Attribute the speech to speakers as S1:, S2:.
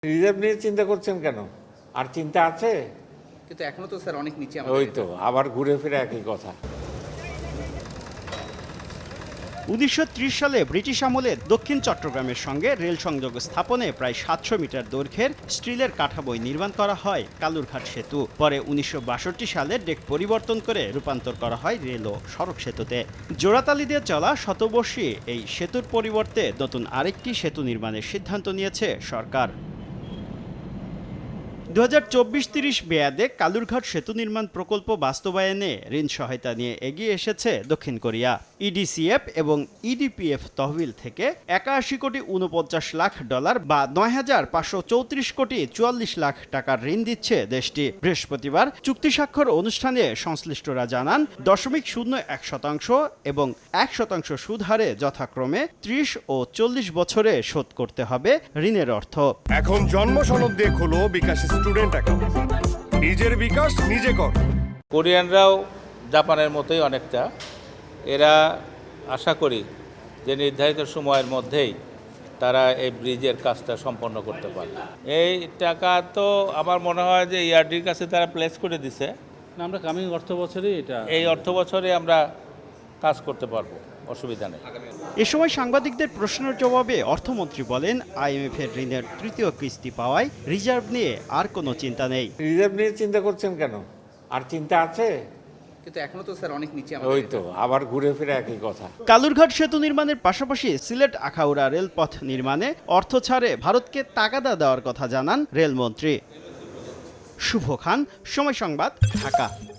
S1: Reserve নিয়ে চিন্তা করছেন কেন? আর চিন্তা আছে?
S2: কিন্তু এখনো তো স্যার অনেক নিচে
S1: ওই তো আবার ঘুরে ফিরে একই কথা।
S3: 1930 সালে ব্রিটিশ আমলে দক্ষিণ চট্টগ্রামের সঙ্গে রেল সংযোগ স্থাপনে প্রায় 700 মিটার দৈর্ঘ্যের স্টিলের কাঠামোয় নির্মাণ করা হয় কালুরঘাট সেতু। পরে 1962 সালে ডেক পরিবর্তন করে রূপান্তর করা হয় রেল ও সড়ক সেতুতে। জোড়াতালি দিয়ে চলা শতবর্ষী এই সেতুর পরিবর্তে নতুন আরেকটি সেতু নির্মাণের সিদ্ধান্ত নিয়েছে সরকার। 2024-30 মেয়াদে কালুরঘাট সেতু নির্মাণ প্রকল্প বাস্তবায়নে ঋণ সহায়তা নিয়ে এগিয়ে এসেছে দক্ষিণ কোরিয়া। ইডিসিএফ এবং ইডিপিএফ তহবিল থেকে 81 কোটি 49 লাখ ডলার বা 9,534 কোটি 44 লাখ টাকার ঋণ দিচ্ছে দেশটি। বৃহস্পতিবার চুক্তি স্বাক্ষর অনুষ্ঠানে সংশ্লিষ্টরা জানান 0.01% এবং 1% সুদ হারে যথাক্রমে 30 ও 40 বছরে শোধ করতে হবে ঋণের অর্থ।
S4: এখন জন্ম সনদ দিয়ে খোলো বিকাশ স্টুডেন্ট অ্যাকাউন্ট। নিজের বিকাশ নিজে কর।
S5: কোরিয়ানরাও জাপানের মতোই অনেকটা, এরা আশা করি যে নির্ধারিত সময়ের মধ্যেই তারা এই ব্রিজের কাজটা সম্পন্ন করতে পারবে। এই টাকা তো আমার মনে হয় যে ইআরডির কাছে তারা প্লেস করে দিছে।
S6: আমরা কামিং অর্থ বছরেই এটা
S5: এই অর্থ বছরে আমরা কাজ করতে পারবো, অসুবিধা নেই।
S3: এ সময় সাংবাদিকদের প্রশ্নের জবাবে অর্থমন্ত্রী বলেন, IMF এর ঋণের তৃতীয় কিস্তি পাওয়ায় রিজার্ভ নিয়ে আর কোনো চিন্তা নেই।
S1: রিজার্ভ নিয়ে চিন্তা করছেন কেন? আর চিন্তা আছে?
S2: কিন্তু এখনো তো স্যার অনেক নিচে
S1: ওই তো আবার ঘুরে ফিরে একই কথা।
S3: কালুরঘাট সেতু নির্মাণের পাশাপাশি সিলেট আখাউড়া রেলপথ নির্মাণে অর্থ ছাড়ে ভারতকে তাগাদা দেওয়ার কথা জানান রেলমন্ত্রী। শুভ খান, সময় সংবাদ, ঢাকা।